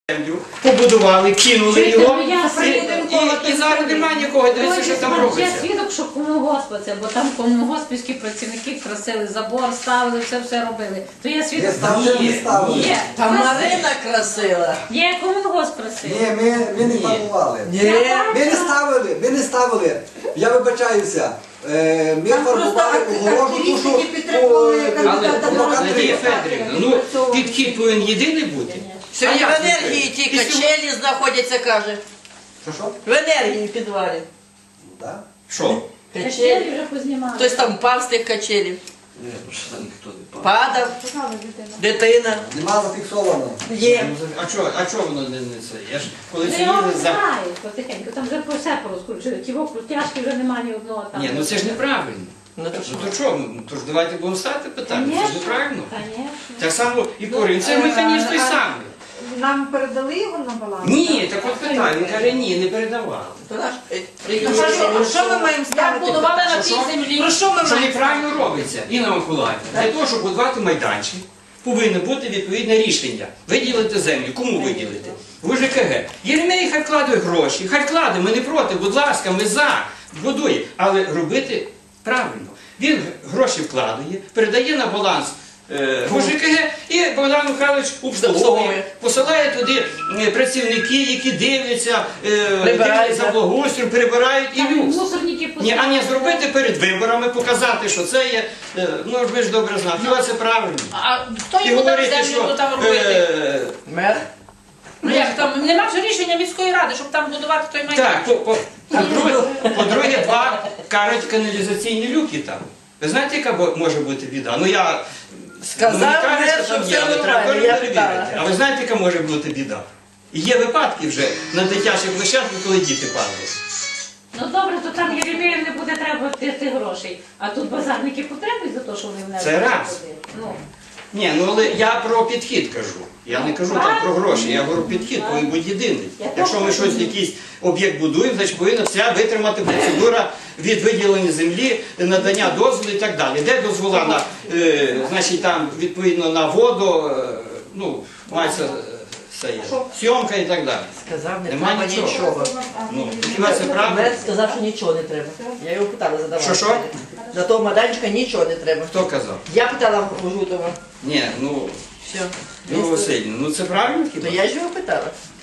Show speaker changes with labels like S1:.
S1: землю, побудували, кинули його, і зараз
S2: немає
S1: нікого, дивіться, що там робиться.
S2: Я свідок, що комунгоспа це, бо там комунгоспівські працівники красили забор, ставили, все робили. То я свідок.
S1: Ні.
S3: Там Марина красила.
S2: Є комунгосп красив.
S4: Ні, ми не планували. Ми не ставили. Я вибачаюся. Ми формували огорожу душу.
S1: Але, Надія Федорівна, підхід повинен єдиний бути.
S3: Сьогодні в енергії ті качелі знаходяться, каже.
S4: Що?
S3: В енергії в підвалі.
S4: Так?
S1: Що?
S2: Качелі вже познімали.
S3: Хтось там впав з тих качелів.
S4: Ні, що ніхто не
S3: Падав. Дитина.
S4: Нема зафіксовано.
S3: Є.
S1: А чого воно не це? Я ж коли
S2: Вони його
S1: сиділи за...
S2: знають потихеньку, там вже все порозкручили. Ті крутяшки вже немає ні одного там.
S1: Ні, це ж неправильно.
S3: Ну то що?
S1: То чого? Тож давайте будемо ставити питання, це ж неправильно.
S2: Конечно.
S1: Так само і Корин, це механізм той самий.
S5: Нам передали його на баланс?
S1: Ні, так от питання, він каже, ні, не передавали.
S3: То наш...
S5: Що ми маємо ставити?
S3: будували на
S1: Що?
S3: цій землі. Про що ми
S1: Що
S3: маємо?
S1: неправильно робиться, Інна Миколаївна. Для того, щоб будувати майданчик, повинно бути відповідне рішення. Виділити землю. Кому виділити? В УЖКГ. Єремей хай вкладує гроші, хай вкладає, ми не проти, будь ласка, ми за, будує. Але робити правильно. Він гроші вкладує, передає на баланс в УЖКГ і Богдан Михайлович обслуговує. Посилає туди працівники, які дивляться, дивляться за благоустрою, перебирають і люкс.
S2: Мусорники
S1: Ні, а не зробити перед виборами, показати, що це є, ну ж ви ж добре знаєте, хіба це правильно.
S3: А хто
S1: І
S3: йому дав
S1: говорити,
S3: землю
S1: що
S3: там робити? Мер? Ну як там, нема ж рішення міської ради, щоб там будувати той майданчик.
S1: так, по-друге, два кажуть каналізаційні люки там. Ви знаєте, яка може бути біда? Ну я
S3: Сказав
S1: не кажу,
S3: мер,
S1: що
S3: що
S1: там
S3: все
S1: є, але треба
S3: нормально, я
S1: перевірити.
S3: питала.
S1: А ви знаєте, яка може бути біда? Є випадки вже на дитячих площадках, коли діти падають.
S2: Ну добре, то там Єремеєм не буде треба тих грошей. А тут базарники потребують за те, що вони внесли.
S1: Це раз.
S2: Ну.
S1: Ні, ну але я про підхід кажу. Я не кажу там про гроші, я говорю підхід повинен бути єдиний. Якщо ми щось, якийсь об'єкт будуємо, значить повинна вся витримати процедура від виділення землі, надання дозволу і так далі. Де дозвола на, значить там відповідно на воду, ну, мається все є, сйомка і так далі.
S3: Сказав, не
S1: Нема
S3: треба
S1: нічого.
S3: нічого.
S1: Ну, хіба це правда?
S3: Мер сказав, що нічого не треба. Я його питала, задавала.
S1: Що?
S3: За того майданчика нічого не треба.
S1: Хто казав?
S3: Я питала у Жутова.
S1: Ні, ну,
S3: Все.
S1: Васильівна, ну це правильно
S3: То
S1: хіба?
S3: я ж його питала.